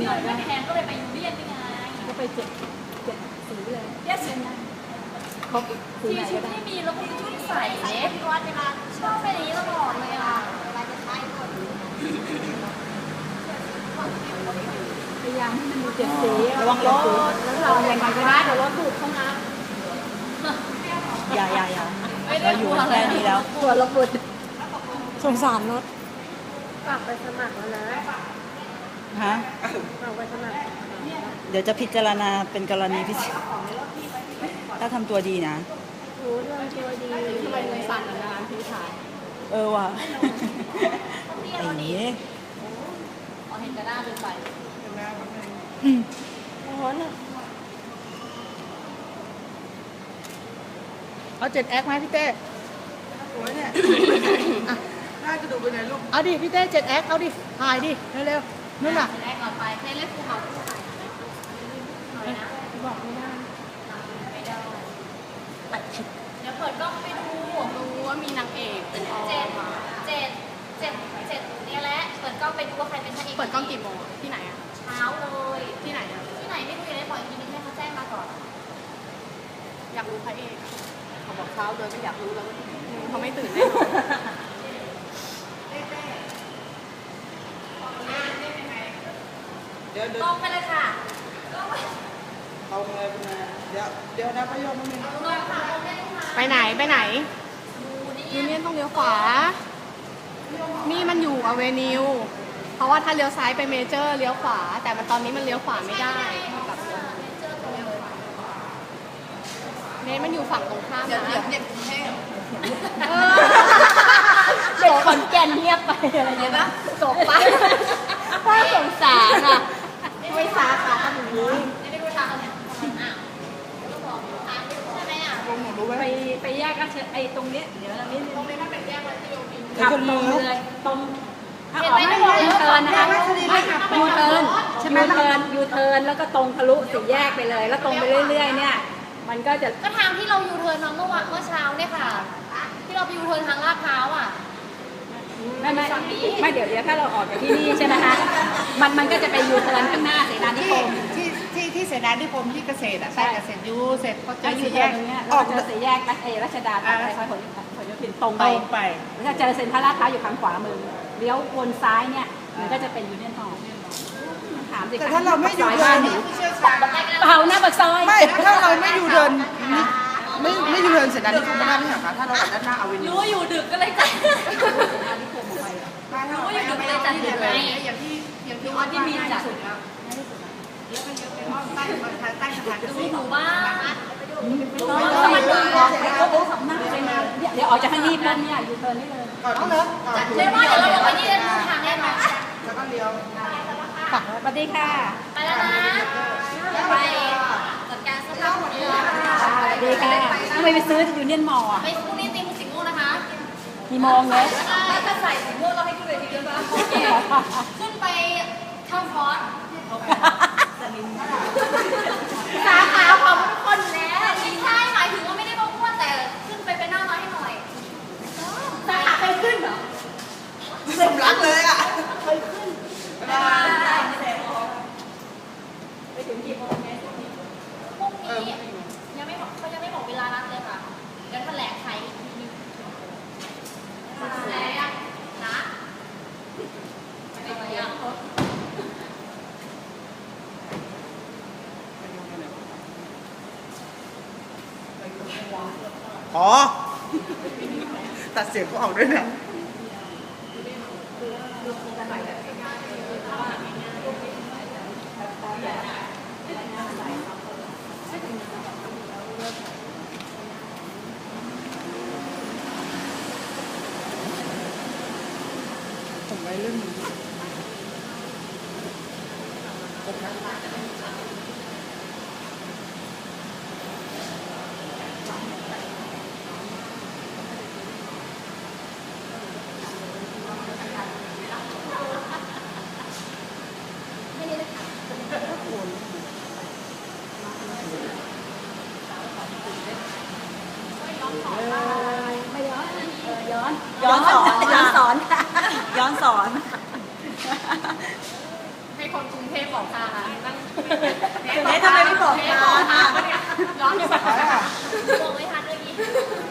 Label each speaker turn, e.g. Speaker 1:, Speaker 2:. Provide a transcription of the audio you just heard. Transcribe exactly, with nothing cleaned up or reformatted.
Speaker 1: น่อยไม่แพงก็เลยไปยูเรียนไปไง
Speaker 2: ก็ไปเจ็ดเจ็ดสีเลย
Speaker 1: เรียกสีนะ
Speaker 2: ครบสีไหนก็ได้
Speaker 1: ที่มีแล้วก็ชุดใส่เล็บวัดเวลาชอบไปนี้ตลอดเลยอ่ะเวลาจะใช้หมด
Speaker 2: พยายามให้มันมีเจ็ดสี
Speaker 3: ระวังรถ
Speaker 2: แล้วเรายังไงก็ได้เดี๋ยวรถถูกเข้านะ
Speaker 3: อย่าอย่าอย่าเราอยู่แค่นี้แล้ว
Speaker 2: ตัวรถบุด
Speaker 3: สงสารรถ
Speaker 2: ฝากไปสมัครแล้วนะ
Speaker 3: ฮะ
Speaker 2: ฝากไปสมัคร
Speaker 3: เดี๋ยวจะพิจารณาเป็นกรณีพิเศษถ้าทำตัวดีนะ
Speaker 2: รู้เรื่องตัวดีทำไมเลยสั่นนะพี่ถ่าย
Speaker 3: เออว่ะไอ้นี้
Speaker 1: อ๋อเห็นแต่หน้าเป็นไฟ
Speaker 2: ร้อนอ่ะเอาเจ็ดแอคไหมพี่เต้
Speaker 4: โอ้ยเนี่ยน่าจะดูไปไหนลูก
Speaker 2: เอาดิพี่เต้เจ็ดแอคเอาดิถ่ายดิเร็วๆนู่นน่ะ
Speaker 1: แรกก่อนไปให้เล่นภูเขา
Speaker 2: บอกไม่ได้
Speaker 1: ไม่ได้
Speaker 2: ตัดชิด
Speaker 1: เดี๋ยวเปิดกล้องไปดูดูว่ามีนางเอกเป็นเจ็ดเจ็ดเจ็ดเจ็ดเนี่ยแหละเปิดกล้องไปดูว่าใครเป็นพระเอก
Speaker 2: เปิดกล้องกี่โมงที่ไหนอ่ะ
Speaker 1: เช้าเลย
Speaker 2: ที่ไหนอ่ะ
Speaker 1: ที่ไหนไม่รู้เลยปล่อยทีนึงให้เขาแจ้งมาก่อน
Speaker 2: อยากรู้พระเอก
Speaker 4: เขาบอกเช้าเลยไม่อยากรู้แล้วว่าที่ไหน
Speaker 2: เขาไม่ตื่นแน่นอน
Speaker 4: เดี๋ยวเดี๋ยว
Speaker 1: ตรงไปเลยค่ะ
Speaker 4: เอาไงเป็นไงเดี๋ยวเดี๋ยวนะพยอมมันมี
Speaker 1: ตรงค่ะตรงได้ค่ะ
Speaker 2: ไปไหนไปไหน
Speaker 1: ยู
Speaker 2: เนียนต้องเลี้ยวขวานี่มันอยู่อเวนิวเพราะว่าถ้าเลี้ยวซ้ายไปเมเจอร์เลี้ยวขวาแต่มันตอนนี้มันเลี้ยวขวาไม่ได้เนทมันอยู่ฝั่งตรงข้ามนะ
Speaker 4: เดี๋ยวเด็กกรุงเทพ
Speaker 2: เด็กขอนแก่นเงียบไปอะไรเงี้ยนะจบปะน่าสงสารอ่ะไม่สาขาทำอย่างนี้
Speaker 1: ไม่รู้ทางเนี่ยใช่ไหมอ่ะ
Speaker 4: วงหนูรู้ไหม
Speaker 2: ไปไปแยกกันไอ้ตรงนี้เดี๋ยวเรานี้
Speaker 1: ตรงนี้ถ้าเป็นแยกวันที่โยม
Speaker 2: ขับตรงเลยตรงถ้าออกไม่ยูเทิร์นนะคะไม่ยูเทิร์นใช่ไหมยูเทิร์นยูเทิร์นแล้วก็ตรงทะลุสี่แยกไปเลยแล้วตรงไปเรื่อยๆเนี่ยมันก็จะ
Speaker 1: ก็ทางที่เรายูเทิร์นมาเมื่อวันเมื่อเช้าเนี่ยค่ะที่เราไปยูเทิร์นทางลาดพร้าวอ่ะ
Speaker 2: ไม่ไม่ไม่เดี๋ยวเดี๋ยวถ้าเราออกจากที่นี่ใช่ไหมคะมันมันก็จะไปยูเทิร์นข้างหน้าเสนานิคม
Speaker 4: ที่ที่ที่เสนานิคมที่เกษตรอ่ะใช่เกษตรยูเสร็จเขาจะ
Speaker 2: ยูเทิร์นตรงนี้ออกจะสี่แยกรัชเอรัชดาไปคอยผลผลโยธินตรงไปแล้วก็เจอเซ็นทรัลลาดพร้าวอยู่ทางขวามือเลี้ยววนซ้ายเนี่ยมันก็จะเป็นยูเนียนฮอลล์ถามสิ
Speaker 4: แต่ถ้าเราไม่อยู่เดิน
Speaker 2: เปล่าหน้าปากซอย
Speaker 4: ไม่ถ้าเราไม่อยู่เดินไม่ไม่อยู่เดินเสร็จแล้วนี่คงไม่ได้ไม่หรอกคะถ้าเราออกด้านหน้าเอาเวนิว
Speaker 1: รู้ว่าอยู่ดึกก็เลยจัดรู้ว่าอยู่ดึกก็เลยจัดดึกไง
Speaker 4: อย่างที่อย่างที่ว่าที่มีจัดแล้วเยอะไปเยอะไปห้องใต้ใต้สถาน
Speaker 1: ดูหนูบ้าง
Speaker 2: เดี๋ยวออกจากทางนี้ปุ๊บเนี่ยยูเทิร์นนี่เลย
Speaker 4: เอาเลย
Speaker 1: เรียกว่าเดี๋ยวเราลงไปนี่เดินทางแน่นอน
Speaker 4: แล้วก็เลี้ยว
Speaker 2: สวัสดีค่ะ
Speaker 1: ไปแล้วนะไปจัดการเสื้อผ้าหมดเลย
Speaker 2: สวัสดีค่ะทำไมไปซื้อยูเนียนมอลล์อ่ะ
Speaker 1: ไปพรุ่งนี้ตีมสีม่วงนะคะ
Speaker 2: กี่โมงเลย
Speaker 1: ถ้าใส่สีม่วงเราให้ขึ้นเวทีด้วยป่ะโอเคขึ้นไปเข้าคอร์สสาขาของทุกคนแล้วไม่ใช่หมายถึงว่าไม่ได้มาพูดแต่ขึ้นไปเป็นหน้าน้อยให้หน่อยสาขาเคยขึ้นเหรอ
Speaker 4: สมรักเลยอ่ะ
Speaker 1: เคยขึ้นไปถึงกี่โมงเนี่ยพรุ่งนี้ยังไม่บอกเขายังไม่บอกเวลานัดเลยค่ะเดี๋ยวแถลงไขอีกทีนึงแถลงนะอะไรอ่ะ
Speaker 4: อ๋อตัดเสียงเขาออกด้วยเนี่ยผมไปเรื่องนี้
Speaker 2: ไม่ย้อนย้อนย้อนสอนย้อนสอนค่ะย้อนสอน
Speaker 1: ให้คนกรุงเทพบอกทางนั่ง
Speaker 4: เนททำไมไม่บอกทาง
Speaker 1: บอกทางเนี่ยย้อนไปบอกไม่ทันเมื่อกี้